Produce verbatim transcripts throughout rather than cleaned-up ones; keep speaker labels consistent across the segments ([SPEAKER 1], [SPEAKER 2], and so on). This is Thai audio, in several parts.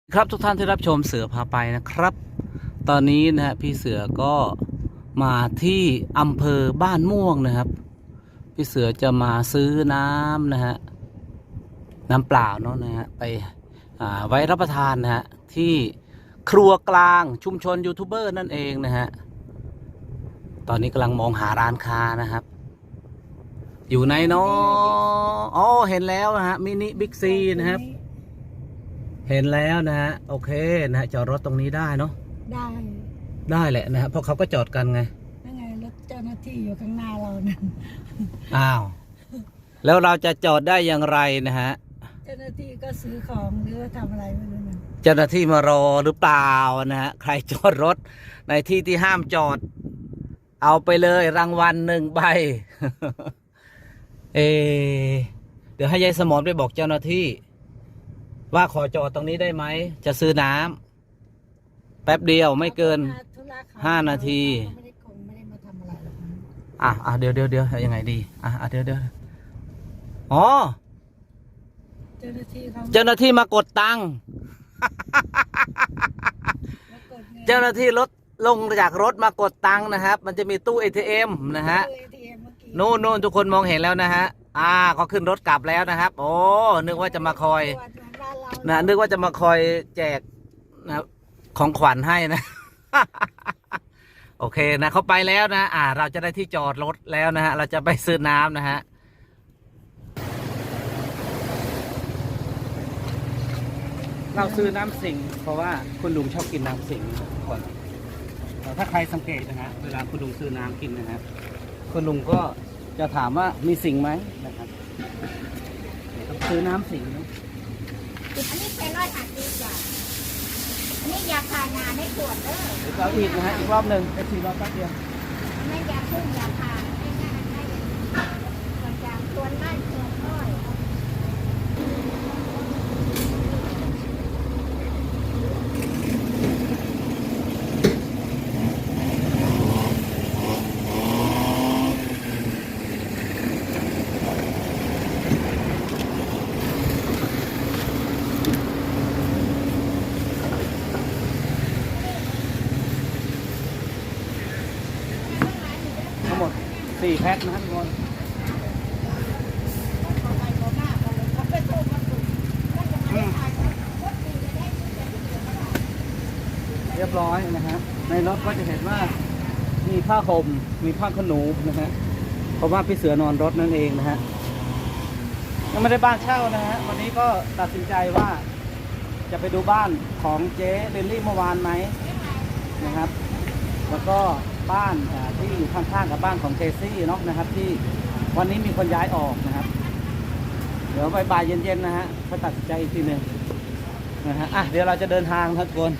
[SPEAKER 1] ครับทุกท่านที่รับชมเสือพาไปนะครับ ตอนนี้นะฮะพี่เสือก็มาที่อำเภอบ้านม่วงนะครับพี่เสือจะมาซื้อน้ำนะฮะน้ำเปล่าเนาะนะฮะไปไว้รับประทานนะฮะที่ครัวกลางชุมชนยูทูบเบอร์นั่นเองนะฮะตอนนี้กำลังมองหาร้านค้านะครับอยู่ไหนเนาะอ๋อเห็นแล้วนะฮะมินิบิ๊กซีนะครับเห็นแล้วนะฮะโอเคนะฮะจอดรถตรงนี้ได้เนาะ
[SPEAKER 2] ได้
[SPEAKER 1] ได้แหละนะฮะเพราะเขาก็จอดกันไง
[SPEAKER 2] นั่นไงรถเจ้าหน้าที่อยู่ข้างหน้าเรานั่น
[SPEAKER 1] อ้าวแล้วเราจะจอดได้อย่างไรนะฮะ
[SPEAKER 2] เจ้าหน้าที่ก็ซื้อของหรือว่าทำอะไรไม่รู้นะ
[SPEAKER 1] เจ้าหน้าที่มารอหรือเปล่านะฮะใครจอดรถในที่ที่ห้ามจอดเอาไปเลยรางวัลหนึ่งใบ เอเดี๋ยวให้ยายสมรไปบอกเจ้าหน้าที่ว่าขอจอดตรงนี้ได้ไหมจะซื้อน้ำแป๊บเดียวไม่เกินห้านาทีอ่ะอ่ะเดี๋ยวเดี๋ยวเดี๋ยวยังไงดีอ่ะอ่ะเดี๋ยวเดี๋ยวอ๋อ
[SPEAKER 2] เจ้าหน้าที่เขา
[SPEAKER 1] เจ้าหน้าที่มากดตังค์เจ้าหน้าที่รถลงจากรถมากดตังค์นะครับมันจะมีตู้ เอ ที เอ็ม นะฮะนู่นนู่นทุกคนมองเห็นแล้วนะฮะอ่าเขาขึ้นรถกลับแล้วนะครับโอ้นึกว่าจะมาคอยนะนึกว่าจะมาคอยแจกนะของขวัญให้นะ โอเคนะเขาไปแล้วนะอ่าเราจะได้ที่จอดรถแล้วนะฮะเราจะไปซื้อน้ำนะฮะเราซื้อน้ำสิงเพราะว่าคุณลุงชอบกินน้ำสิงก่อนถ้าใครสังเกตนะฮะเวลาคุณลุงซื้อน้ำกินนะฮะคุณลุงก็จะถามว่ามีสิงไหมนะครับต้องซื้อน้ำสิงนะ
[SPEAKER 3] อันนี้เป็นร้อยห้าสิบจ้ะอันนี้ยาคางาไม่ขวดเด้อ
[SPEAKER 1] เดี๋ยวเราอีกนะฮะอีกรอบหนึ่งไปสี่รอบแป๊บเดียว
[SPEAKER 3] ไม่ยาพุ่งยาคาไม่ง่ายให้ส่วนจากส่วนไล่ส่วนน้อย
[SPEAKER 1] ทั้งหมดสี่แพ็คนะครับทุกคนเรียบร้อยนะฮะในรถก็จะเห็นว่ามีผ้าห่มมีผ้าขนหนูนะฮะเพราะว่าพี่เสือนอนรถนั่นเองนะฮะยังไม่ได้บ้านเช่านะฮะวันนี้ก็ตัดสินใจว่าจะไปดูบ้านของเจ๊เรนลี่เมื่อวานไหมนะครับแล้วก็บ้านที่อยู่ข้างๆกับบ้านของเจซี่เนาะนะครับที่วันนี้มีคนย้ายออกนะครับเดี๋ยวบ่ายๆเย็นๆนะฮะเขาตัดสินใจอีกทีหนึ่งนะฮะอ่ะเดี๋ยวเราจะเดินทางทุกคน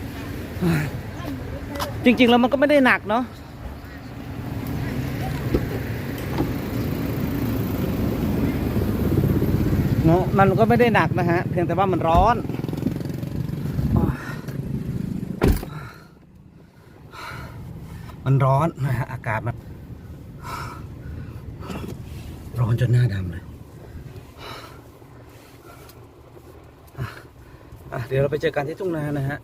[SPEAKER 1] จริงๆแล้วมันก็ไม่ได้หนักเนาะเนาะมันก็ไม่ได้หนักนะฮะเพียงแต่ว่ามันร้อนมันร้อนนะฮะอากาศมันร้อนจนหน้าดำเลยอ่ะเดี๋ยวเราไปเจอกันที่ทุ่งนานะฮะ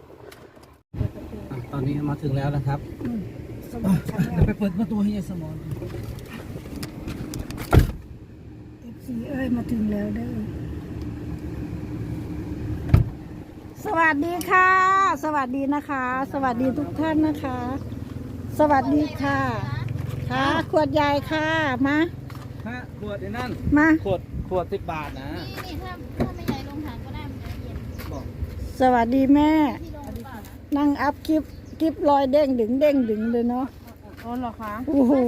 [SPEAKER 1] ตอนนี้มาถึงแล้วนะครับเดี๋ยวไปเปิดประตูให้ยายสมร
[SPEAKER 2] เอฟซีเอ้ยมาถึงแล้วเด้อสวัสดีค่ะ สวัสดีนะคะ สวัสดีทุกท่านนะคะสวัสดีค่ะค่ะขวดใหญ่ค่ะมา
[SPEAKER 1] ฮะขวดนั่น
[SPEAKER 2] มา
[SPEAKER 1] ขวดขวดสิบบาทนะ
[SPEAKER 3] นี่ถ้าถ้าไม่ใหญ่ลงถังก็ได้มันจะเย็น
[SPEAKER 2] สวัสดีแม่นั่งอัพคลิปคลิปลอยเด้งดึงเด้งดึงเลยเนาะ
[SPEAKER 3] อ๋อเหรอคะ
[SPEAKER 2] โอ้โห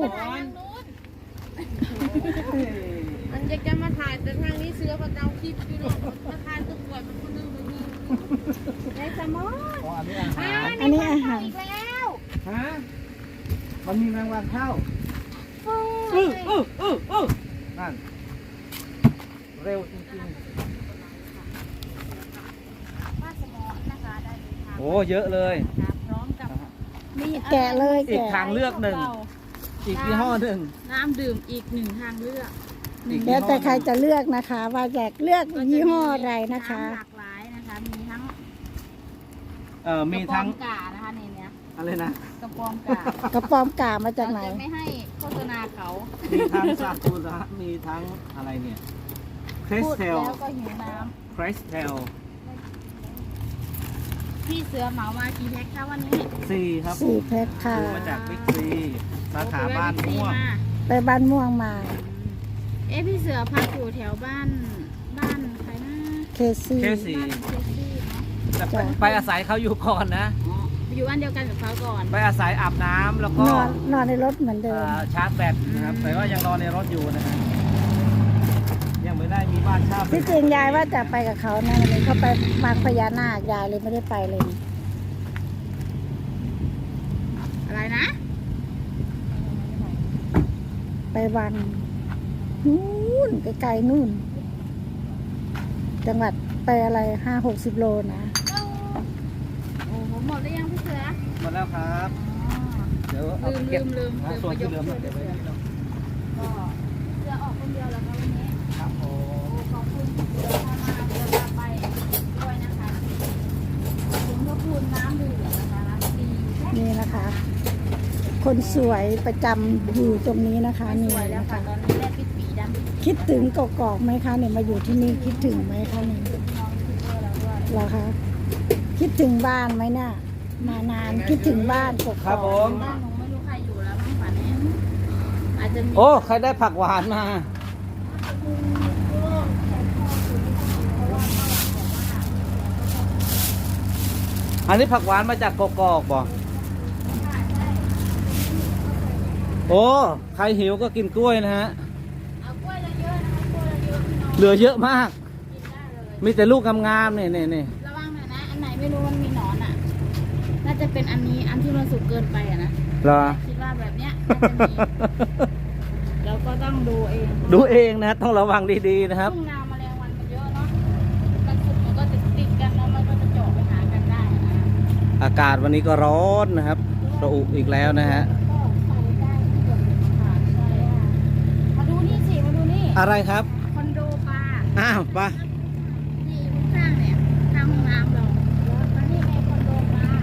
[SPEAKER 3] มันจะจะมาถ่ายแต่ทางนี้เสือก็เอาคลิปอยู่เนาะมาถ่ายตัวก่อนมันคนนึงมันมีในสมอง
[SPEAKER 1] อันนี้อาหาร
[SPEAKER 2] อันนี้อาหาร
[SPEAKER 3] อีกแล้ว
[SPEAKER 1] ฮะมันมีแมงวันเข้า
[SPEAKER 3] อือ
[SPEAKER 1] อืออืออือนั่นเร็วจริง
[SPEAKER 3] ๆว่าสมองนะคะได้
[SPEAKER 1] โอ้เยอะเลย
[SPEAKER 3] พร้อมกับ
[SPEAKER 2] มีแกะเลย
[SPEAKER 1] อีกทางเลือกหนึ่งอีกยี่ห้อหนึ่ง
[SPEAKER 3] น้ำดื่มอีกหนึ่งทางเลือก
[SPEAKER 2] แล้วแต่ใครจะเลือกนะคะว่าอยากเลือกยี่ห้ออะไรนะคะ
[SPEAKER 3] หลากหลายนะคะมีทั้งทั้ง
[SPEAKER 1] เอ่อมีทั้ง
[SPEAKER 3] กระป๋อมกานะคะในเนี้ย
[SPEAKER 1] อะไรนะ
[SPEAKER 3] กระปอมกาก
[SPEAKER 2] ระปอมกามาจากไหน
[SPEAKER 3] เราจะไม่ให้โฆษณาเขา
[SPEAKER 1] มีทั้งซากุระมีทั้งอะไรเนี่ยคริส
[SPEAKER 3] พูด
[SPEAKER 1] เทล
[SPEAKER 3] แล้วก็หิวน้
[SPEAKER 1] คริสเทล
[SPEAKER 3] ำพี่เสือเหมามากี่แพ็คคะวันนี้
[SPEAKER 1] สี่ครับ
[SPEAKER 2] สี่แพ็คค่ะ
[SPEAKER 1] ซื้อมาจากบิ๊กซีสาขาบ้าน
[SPEAKER 3] โอ้
[SPEAKER 1] ม่วง
[SPEAKER 3] ไปแวะบิ๊กซีมา
[SPEAKER 2] ไปบ้านม่วงมา
[SPEAKER 3] เอ๊ะพี่เสือพักอยู่แถวบ้านบ้านใครนะ
[SPEAKER 2] เคซี่
[SPEAKER 1] เคสี่
[SPEAKER 3] บ้านเคซี่เนาะ
[SPEAKER 1] แต่ไปไปอาศัยเขาอยู่ก่อนนะ
[SPEAKER 3] อ๋ออยู่อันเดียวกันกับเขาก่อน
[SPEAKER 1] ไปอาศัยอาบน้ำแล้วก็
[SPEAKER 2] นอนนอนในรถเหมือนเดิ
[SPEAKER 1] เอ่
[SPEAKER 2] ม
[SPEAKER 1] อชาร์จแบตนะครับแต่ว่ายังนอนในรถอยู่นะฮะยังไม่ได้มีบ้านเช่า
[SPEAKER 2] ที่จริงยายว่าจะไปกับเขานะวันนี้เขาไปบางพญานาคยายเลยไม่ได้ไปเลย
[SPEAKER 3] อะไรนะ
[SPEAKER 2] ไปวังนู่นไกลๆนู่น จังหวัดไปอะไรห้าหกสิบโลนะ
[SPEAKER 3] โอ้โหหมดหรือยังพี่เสือ
[SPEAKER 1] หมดแล้วครับ
[SPEAKER 3] อ๋อ
[SPEAKER 1] เดี๋ยวเอา
[SPEAKER 3] ลื
[SPEAKER 1] ไป
[SPEAKER 3] ม
[SPEAKER 1] เก็บ
[SPEAKER 3] ลืมลืม
[SPEAKER 1] นะ
[SPEAKER 3] ลืม
[SPEAKER 1] ส่วนที่เหลือ
[SPEAKER 3] ไป
[SPEAKER 1] มาย
[SPEAKER 3] ก
[SPEAKER 1] เก็บไว้ที่เรา
[SPEAKER 3] ก็เสือออกคนเดียวแล้วครับวันนี้
[SPEAKER 1] ครับผ
[SPEAKER 3] โอ้
[SPEAKER 1] ม
[SPEAKER 3] ขอบคุณเสือพามาเสือพาไปด้วยนะคะถึงพระคุณน้ำดื่มนะคะน้ำดี
[SPEAKER 2] นี่นะคะ คนสวยประจำอยู่ตรงนี้นะคะ
[SPEAKER 3] ไม่
[SPEAKER 2] นี่
[SPEAKER 3] สวยแล้ว
[SPEAKER 2] นะ
[SPEAKER 3] ค่ะ
[SPEAKER 2] คะ
[SPEAKER 3] ตอนนี้แลบปิดปีดำปิด
[SPEAKER 2] คิดถึงกอกๆไหมคะเนี่ยมาอยู่ที่นี่คิดถึงไหมคะเนี่ย
[SPEAKER 3] น้องยูทูบเบอร์แล้วด้วย
[SPEAKER 2] เหรอคะคิดถึงบ้านไหมเนี่ยมานานคิดถึงบ้านกอกๆ
[SPEAKER 1] ครับผม
[SPEAKER 3] บ้านหนูไม่รู้ใครอยู่แล้วมั้งฝันนี้อาจจะมี
[SPEAKER 1] โอ้ใครได้ผักหวานมา อันนี้ผักหวานมาจากกอกๆบ่โอ้ใครหิวก็กินกล้วยนะฮะ
[SPEAKER 3] เอากล้วยเยอะๆนะคะกล้วยเยอะๆพี่น้อง
[SPEAKER 1] เหลือเยอะมาก
[SPEAKER 3] กินได้เลย
[SPEAKER 1] มีแต่ลูกงามๆเนี่ยเนี่ยเนี่ย
[SPEAKER 3] ระวังหน่อยนะ อันไหนไม่รู้มันมีหนอนอ่ะ น่าจะเป็นอันนี้ อันที่มันสุกเกินไปอ่ะนะ
[SPEAKER 1] เหรอ
[SPEAKER 3] คิดว่าแบบเนี้ยน่าจะมีแล้วก็ต้องดูเอง
[SPEAKER 1] ดูเองนะต้องระวังดีๆนะครับ
[SPEAKER 3] ทุ่งนาแมลงวันมันเยอะเนาะ มันสุกมันก็ติดติดๆกันแล้วมันก็จะเจาะไปหากันได้นะ
[SPEAKER 1] อากาศวันนี้ก็ร้อนนะครับระอุอีกแล้วนะฮะ
[SPEAKER 3] ก็ใส่ได้ทุกอย่างค่ะใช่ค่ะมาดูนี่สิ มาดูนี่
[SPEAKER 1] อะไรครับ
[SPEAKER 3] คอนโดปลา
[SPEAKER 1] อ้าวไป
[SPEAKER 3] นี่ข้างๆเนี่ยข้างห้องน้ำเรามานี่ในคอนโดปลา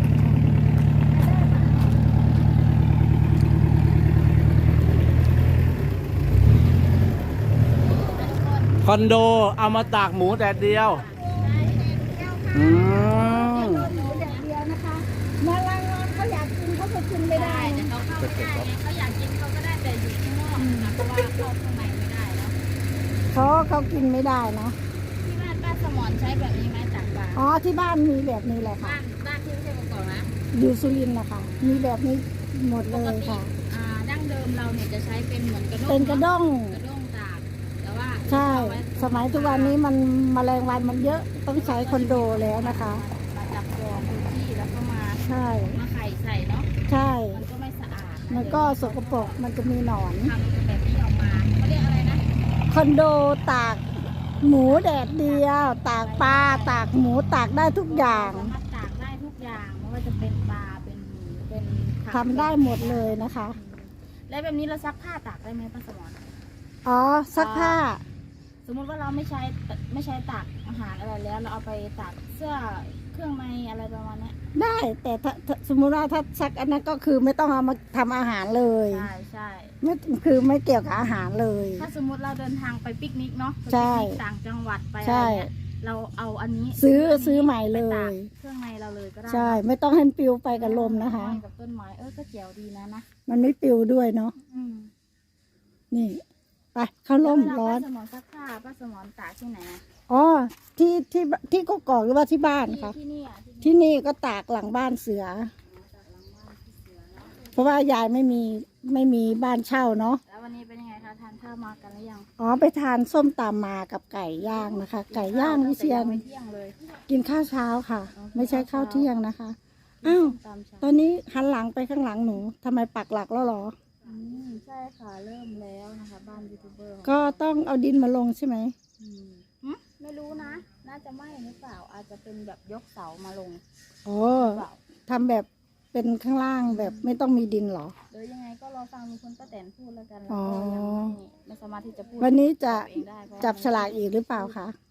[SPEAKER 1] คอนโดเอามาตากหมูแดดเดียวอืม
[SPEAKER 2] หมูแดดเดียวนะคะมาลังงานเขาอยากกินเขาก็กินไม่ได้
[SPEAKER 3] แต่เขาเข้าไม่ได้ไงเขาอยากกินเขาก็ได้แต่อยู่ข้างนอกนะเพราะว่าเข้าข้างในไม่ได้แล้ว
[SPEAKER 2] เขาเขากินไม่ได้เนาะ
[SPEAKER 3] ที่บ้านป้าสมอนใช้แบบนี้ไหมจากปลา
[SPEAKER 2] อ๋อที่บ้านมีแบบนี้แหละค่ะ
[SPEAKER 3] บ้านบ้านที่ไม่ใช่กอกๆนะ
[SPEAKER 2] อยู่สุรินทร์นะคะมีแบบนี้หมด
[SPEAKER 3] ป
[SPEAKER 2] เล
[SPEAKER 3] ก
[SPEAKER 2] ย
[SPEAKER 3] ติ
[SPEAKER 2] ค่ะ
[SPEAKER 3] อ่าดั้งเดิมเราเนี่ยจะใช้เป็นเหมือนกระด้ง
[SPEAKER 2] เป็นกระด้ง
[SPEAKER 3] กระด้งตากแต่ว่า
[SPEAKER 2] ใช่
[SPEAKER 3] เอาไว้
[SPEAKER 2] สมัยทุกวันนี้มันแมลงวันมันเยอะต้องใช้คอนโดแล้วนะคะ
[SPEAKER 3] มาจับจองพื้นที่แล้วก็มา
[SPEAKER 2] ใช่
[SPEAKER 3] มาไข่ใส่เนาะ
[SPEAKER 2] ใช่
[SPEAKER 3] มันก็ไม่สะอาดะ
[SPEAKER 2] มันก็สกปรกมันจะมีหนอน
[SPEAKER 3] ทำแบบนี้ออกมาเขาเรียกอะไรนะ
[SPEAKER 2] คอนโดตากหมูแดดเดียว ตากปลาตากหมูตากได้ทุกอย่าง
[SPEAKER 3] สามารถตากได้ทุกอย่างไม่ว่าจะเป็นปลาเป็นหมูเป็นผัก
[SPEAKER 2] ทำได้หมดเลยนะคะ
[SPEAKER 3] แล้วแบบนี้เราซักผ้าตากได้ไหมป้าสมร
[SPEAKER 2] อ๋อซักผ้า
[SPEAKER 3] สมมุติว่าเราไม่ใช้ไม่ใช้ตากอาหารอะไรแล้ว เราเอาไปตากเสื้อเครื่องในอะไรประมาณเนี้ย
[SPEAKER 2] ได้แต่ถ้าถ้าสมมุติว่าถ้าซักอันนั้นก็คือไม่ต้องเอามาทำอาหารเลย
[SPEAKER 3] ใช่ใช่
[SPEAKER 2] ไม่คือไม่เกี่ยวกับอาหารเลย
[SPEAKER 3] ถ้าสมมุติเราเดินทางไปปิกนิกเนาะไป
[SPEAKER 2] ใช่
[SPEAKER 3] ปิกนิกต่างจังหวัดไปอะไร
[SPEAKER 2] ใช่
[SPEAKER 3] เงี้ยเราเอาอันนี้
[SPEAKER 2] ซื้อ
[SPEAKER 3] อันนี้
[SPEAKER 2] ซื้อใหม่เลย
[SPEAKER 3] ไปตากเครื่องในเราเลยก็ได้
[SPEAKER 2] ใช่ไม่ต้องให้มันปลิวไปกับลมนะคะ
[SPEAKER 3] ห้อยกับต้นไม้เออก็เจ๋วดีนะนะ
[SPEAKER 2] มันไม่ปลิวด้วยเนาะ
[SPEAKER 3] อืม
[SPEAKER 2] นี่ไปเข้าร่ม
[SPEAKER 3] แล้วเวลา
[SPEAKER 2] ร้อน
[SPEAKER 3] ป้าสมรซักผ้าป้าสมรตากที่ไหนอะ
[SPEAKER 2] อ๋อที่ที่ที่กกอกหรือว่าที่บ้าน
[SPEAKER 3] ที่
[SPEAKER 2] คะ
[SPEAKER 3] ที่นี่อ่ะที่
[SPEAKER 2] ที่นี่ก็ตากหลังบ้านเสือ
[SPEAKER 3] จากหลังบ้านที่เสือเนาะ
[SPEAKER 2] เพราะว่ายายไม่มีไม่มีบ้านเช่าเนาะ
[SPEAKER 3] แล้ววันนี้เป็นยังไงคะทานข้าวมากันหรือยัง
[SPEAKER 2] อ๋อไปทานส้มตำมากับไก่ย่างนะคะ ไก่ย่างวิเชียน
[SPEAKER 3] ไม่เที่ยงเลย
[SPEAKER 2] กินข้าวเช้าค่ะ ไม่ใช่ข้าวเที่ยงนะคะอ้าว
[SPEAKER 3] ตามเช้า
[SPEAKER 2] ตอนนี้หันหลังไปข้างหลังหนูทำไมปักหลักแล้วเหรอ
[SPEAKER 3] อืมใช่ค่ะเริ่มแล้วนะคะบ้านยูทูบเบอร์ของ
[SPEAKER 2] ก็ต้องเอาดินมาลงใช่ไหม
[SPEAKER 3] อืมหึไม่รู้นะ น่าจะไม่หรือเปล่าอาจจะเป็นแบบยกเสามาลง
[SPEAKER 2] โอ้
[SPEAKER 3] หรือเปล่า
[SPEAKER 2] ทำแบบเป็นข้างล่างแบบไม่ต้องมีดินเหรอ
[SPEAKER 3] หรือยังไงก็รอฟังลุงพลป้าแตนพูดแล้วกันแล้ว
[SPEAKER 2] อ๋อ
[SPEAKER 3] ก็ยังไม่ไม่สามารถที่จะพูด
[SPEAKER 2] วันนี้จะ
[SPEAKER 3] ตัวเองได้เพราะ
[SPEAKER 2] จับฉลากอีกหรือเปล่าคะ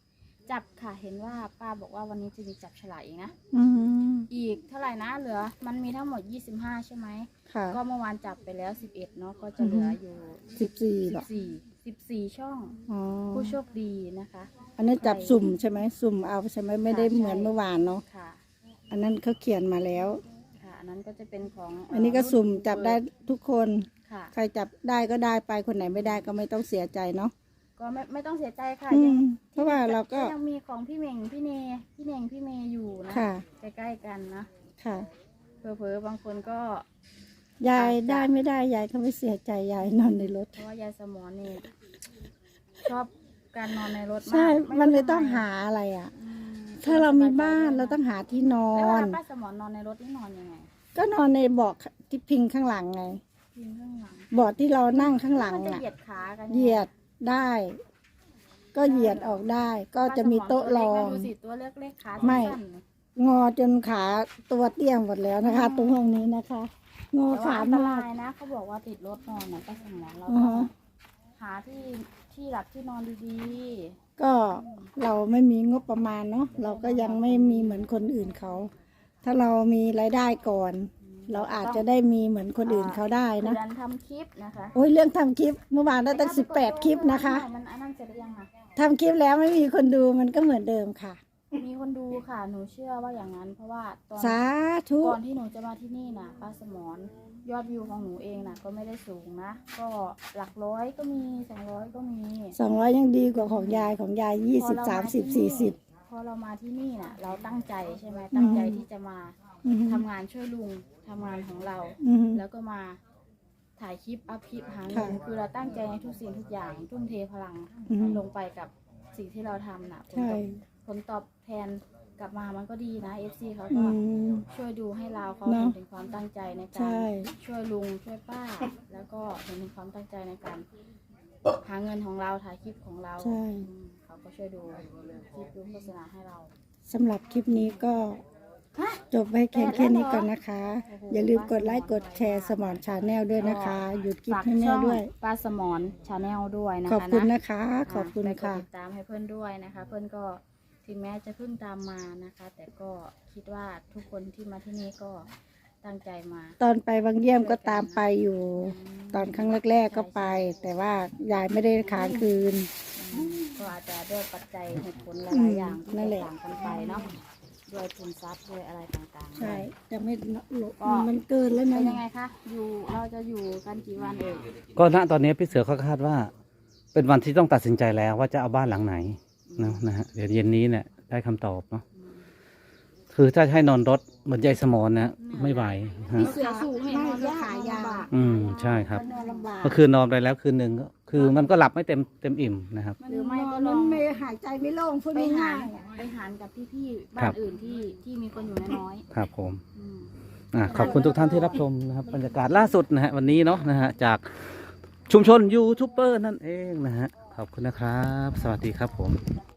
[SPEAKER 3] จับค่ะเห็นว่าป้าบอกว่าวันนี้จะมีจับฉลากอีกนะ
[SPEAKER 2] อืม
[SPEAKER 3] อีกเท่าไหร่นะเหลือมันมีทั้งหมดยี่สิบห้าใช่ไหม
[SPEAKER 2] ค่ะ
[SPEAKER 3] ก็เมื่อวานจับไปแล้วสิบเอ็ดเนาะก็จะเหลืออยู่
[SPEAKER 2] สิบสี่หรอ
[SPEAKER 3] สี่สิบสี่ช่อง
[SPEAKER 2] อ๋อ
[SPEAKER 3] ผู้โชคดีนะคะ
[SPEAKER 2] อันนี้จับสุ่มใช่ไหมสุ่มเอาใช่ไหมไม่ได้
[SPEAKER 3] ค่ะใช่
[SPEAKER 2] เหมือนเมื่อวานเนาะ
[SPEAKER 3] ค่ะ
[SPEAKER 2] อันนั้นเขาเขียนมาแล้ว
[SPEAKER 3] ค่ะอันนั้นก็จะเป็นของ
[SPEAKER 2] อันนี้ก็สุ่มจับได้ทุกคน
[SPEAKER 3] ค่ะ
[SPEAKER 2] ใครจับได้ก็ได้ไปคนไหนไม่ได้ก็ไม่ต้องเสียใจเนาะ
[SPEAKER 3] ก็ไม่ไม่ต้องเสียใจค่ะ
[SPEAKER 2] อื
[SPEAKER 3] ยัง
[SPEAKER 2] มเพราะว่าเราก็
[SPEAKER 3] ยังมีของพี่เหม่งพี่เนพี่เน่งพี่เมย์อยู่นะ
[SPEAKER 2] ค่ะ
[SPEAKER 3] ใกล้ๆกันนะ
[SPEAKER 2] ค่ะ
[SPEAKER 3] เผลอๆบางคนก็
[SPEAKER 2] ยาย
[SPEAKER 3] อาจจะ
[SPEAKER 2] ได้ไม่ได้ยายก็ไม่เสียใจยายนอนในรถ
[SPEAKER 3] เพราะว่ายายสมอนี่ชอบการนอนในรถมาก
[SPEAKER 2] ใช่ มันไม่
[SPEAKER 3] รู้
[SPEAKER 2] ต้อง
[SPEAKER 3] ทำ
[SPEAKER 2] หาอะไรอ่ะ
[SPEAKER 3] อืม
[SPEAKER 2] ถ้าเรามีบ้านเราต้องหาที่นอ
[SPEAKER 3] แล้วเวน ลาป้าสมอนนอนในรถนี่นอนยังไง
[SPEAKER 2] ก็นอนในเบาะที่พิงข้างหลังไง
[SPEAKER 3] พิงข้างหลัง
[SPEAKER 2] เบาะที่เรานั่งข้างหลัง
[SPEAKER 3] มันจะ
[SPEAKER 2] น่ะ
[SPEAKER 3] เหยียดขากัน
[SPEAKER 2] เหยียดได้ ก็เหยียดออกได้ ก็จะมีโต๊ะรอง
[SPEAKER 3] ดูสิตัวเล็กๆขา
[SPEAKER 2] ไม่
[SPEAKER 3] สั้นๆ
[SPEAKER 2] งอจนขาตัวเตี้ยงหมดแล้วนะคะ ตรงห้องนี้นะคะ งอ
[SPEAKER 3] แต่ว่า
[SPEAKER 2] ขา
[SPEAKER 3] อันต
[SPEAKER 2] มาร
[SPEAKER 3] าก ยนะเขาบอกว่าติดรถนอนนะป้าสมอนเรา
[SPEAKER 2] อือ
[SPEAKER 3] ต้อง
[SPEAKER 2] ฮะ
[SPEAKER 3] หาที่ที่หลับที่นอนดี
[SPEAKER 2] ก็เราไม่มีงบประมาณเนาะเราก็ยังไม่มีเหมือนคนอื่นเขา ถ้าเรามีรายได้ก่อน เราอาจจะได้มีเหมือนคนอื่นเขาได้
[SPEAKER 3] ๆ
[SPEAKER 2] นะ
[SPEAKER 3] เดือนทำคลิปนะคะ
[SPEAKER 2] โอ้ยเรื่องทำคลิปเมื่อวานได้ตั้งสิบแปดคลิปนะคะ
[SPEAKER 3] มันอันนั้นเสร็จหรือยังอะ
[SPEAKER 2] ทำคลิปแล้วไม่มีคนดูมันก็เหมือนเดิมค่ะ
[SPEAKER 3] มีคนดูค่ะหนูเชื่อว่าอย่างนั้น เพราะว่าตอน
[SPEAKER 2] สาธุ
[SPEAKER 3] ก่อนที่หนูจะมาที่นี่นะป้าสมอนยอดวิวของหนูเองนะก็ไม่ได้สูงนะ ก็หลักร้อยก็มีสองร้อยก็มี
[SPEAKER 2] สองร้อยยังดีกว่าของยายของยายยี่สิบ
[SPEAKER 3] พอเร
[SPEAKER 2] สามสิบ
[SPEAKER 3] ที่
[SPEAKER 2] สี่สิบ
[SPEAKER 3] พอเรามาที่นี่น่ะ เราตั้งใจใช่ไหมตั้งใจ
[SPEAKER 2] อืม
[SPEAKER 3] ที่จะมา
[SPEAKER 2] อือฮึ
[SPEAKER 3] ทำงานช่วยลุงทำงานของเรา
[SPEAKER 2] อือฮึ
[SPEAKER 3] แล้วก็มาถ่ายคลิปอัพคลิปหาเงิน
[SPEAKER 2] ค่ะ
[SPEAKER 3] คือเราตั้งใจในทุกสิ่งทุกอย่างทุ่มเทพลัง
[SPEAKER 2] อือฮึ
[SPEAKER 3] ลงไปกับสิ่งที่เราทำน่ะผล
[SPEAKER 2] ใช่
[SPEAKER 3] ตอบผลตอบแทนกลับมามันก็ดีนะเอฟซีเขา
[SPEAKER 2] อื
[SPEAKER 3] ก็
[SPEAKER 2] ม
[SPEAKER 3] ช่วยดูให้เราเขา
[SPEAKER 2] เน
[SPEAKER 3] เห็
[SPEAKER 2] อะ
[SPEAKER 3] นถึงความตั้งใจในกา
[SPEAKER 2] ใช่
[SPEAKER 3] รช่วยลุงช่วยป้า แล้วก็เห็นถึงความตั้งใจในการหาเงินของเราถ่ายคลิปของเรา
[SPEAKER 2] ใช่
[SPEAKER 3] อืมเขาก็ช่วยดูคลิปดูโฆษณาให้เรา
[SPEAKER 2] สำหรับคลิปนี้ก็จบไว้แค่แค่นี้ก่อนนะคะ อย่าลืมกดไลค์กดแชร์สมอนชาแนลด้วยนะคะ หยุดคลิป
[SPEAKER 3] ฝาก
[SPEAKER 2] ให้แม่
[SPEAKER 3] ช่อง
[SPEAKER 2] ด้วย
[SPEAKER 3] ป้าสมอนชาแนลด้วยนะคะ
[SPEAKER 2] ขอบคุณ
[SPEAKER 3] นะ
[SPEAKER 2] นะคะ ขอบคุณ
[SPEAKER 3] ไปกด
[SPEAKER 2] ค่ะ
[SPEAKER 3] ติดตามให้เพื่อนด้วยนะคะ เพื่อนก็ถึงแม้จะเพิ่งตามมานะคะ แต่ก็คิดว่าทุกคนที่มาที่นี่ก็ตั้งใจมา
[SPEAKER 2] ตอนไปบางเยี่ยมก็ตามไปอยู่ ตอนครั้งแรกๆก็ไป แต่ว่ายายไม่ได้ค้างคืน
[SPEAKER 3] อืมก็อาจจะด้วยปัจจัยเหตุผลห
[SPEAKER 2] อื
[SPEAKER 3] ลาม ยๆอย่างที่
[SPEAKER 2] นั่นแห
[SPEAKER 3] แต
[SPEAKER 2] ละ
[SPEAKER 3] กต่างกันไปเนาะด้วยทุนทรัพย์ด้วยอะไรต่างๆ
[SPEAKER 2] ใช่ จะไม่หลบ
[SPEAKER 3] ก็
[SPEAKER 2] มันเกินแล้ว
[SPEAKER 3] เป็
[SPEAKER 2] นะ
[SPEAKER 3] นยังไงคะอยู่เราจะอยู่กันกี่วันเอ่ย
[SPEAKER 1] ก็ณตอนนี้พี่เสือเขาคาดว่า เป็นวันที่ต้องตัดสินใจแล้วว่าจะเอาบ้านหลังไหนนะนะฮะเดี๋ยวเย็นนี้เนี่ยได้คำตอบเนาะคือถ้าให้นอนรถเหมือนยายสมอนนะไม่ไหวฮะ
[SPEAKER 3] เสือสูงให้นอนยาก
[SPEAKER 2] ขายาว
[SPEAKER 3] ลำบาก
[SPEAKER 1] อืมใช่ครับ
[SPEAKER 2] นอนลำบาก
[SPEAKER 1] เมื่อคืนนอนไปแล้วคืนหนึ่งก็คือมันก็หลับไม่เต็มเต็มอิ่มนะครับ
[SPEAKER 3] หรือไม่ก็ล
[SPEAKER 2] มั
[SPEAKER 3] อน ง
[SPEAKER 2] ไม่หายใจไม่โล่งพูด
[SPEAKER 3] ไปหา
[SPEAKER 2] ง่าร ย
[SPEAKER 3] ไปหารกับพี่ๆ
[SPEAKER 1] ครั
[SPEAKER 3] บ้าน
[SPEAKER 1] บ
[SPEAKER 3] อื่นที่ที่มีคนอยู่น้อย
[SPEAKER 1] ครับผม
[SPEAKER 3] ๆอืม
[SPEAKER 1] อ่ะขอบคุณทุกท่านที่รับชมนะครับบรรยากาศล่าสุดนะฮะวันนี้เนาะนะฮะจากชุมชนยูทูบเบอร์นั่นเองนะฮะขอบคุณนะครับ สวัสดีครับผม